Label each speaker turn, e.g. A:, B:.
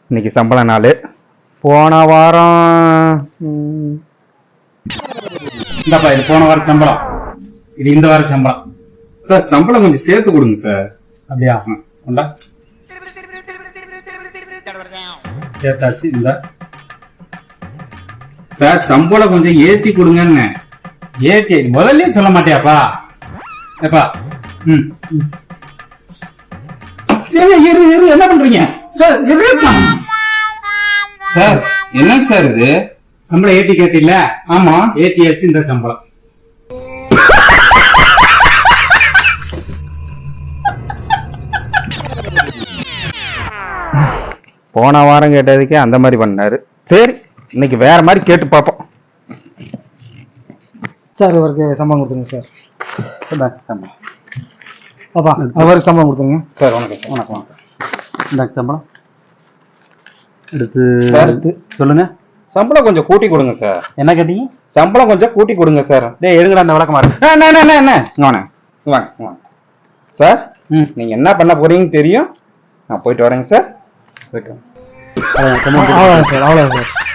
A: இன்னைக்கு சம்பள நாள். போன வாரம்
B: இந்தப்பா இது போன வாரம் சம்பளம், இது இந்த வாரம் சம்பளம்.
A: சார் சம்பளம் கொஞ்சம் சேர்த்து கொடுங்க சார்.
B: அப்படியா? உண்டா சேர்த்தாச்சு. இந்த
A: சார் சம்பளம் கொஞ்சம் ஏத்தி கொடுங்கன்னு.
B: ஏத்தி முதல்லயே சொல்ல மாட்டியாப்பா? ஏப்பா
A: என்ன பண்றீங்க சார்? சார் என்னங்க சார் இது?
B: சம்பளம் ஏத்தி கேட்டில்ல?
A: ஆமா
B: ஏத்தியாச்சு. இந்த சம்பளம்
A: போன வாரம் கேட்டதுக்கே அந்த மாதிரி பண்ணாரு. சரி இன்னைக்கு வேற மாதிரி கேட்டு பார்ப்போம்.
C: சார் இவருக்கு சம்பளம் கொடுத்துருங்க சார்.
A: சம்பளம்
C: பாப்பா அவருக்கு சம்பளம் கொடுத்துருங்க
A: சார். வணக்கம் வணக்கம் வணக்கம்.
B: இந்த சம்பளம் எடுத்து
A: அடுத்து
B: சொல்லுங்க.
A: சம்பளம் கொஞ்சம் கூட்டி கொடுங்க சார்.
B: என்ன கேட்டீங்க?
A: சம்பளம் கொஞ்சம் கூட்டி கொடுங்க சார்.
B: டேய் எடுங்கடா அந்த விளக்கமா இருக்கு.
A: என்ன வாங்க சார். நீங்க என்ன பண்ண போறீங்கன்னு தெரியும். நான் போயிட்டு வரேங்க சார். போயிட்டு
C: அவ்வளோதான் சார்.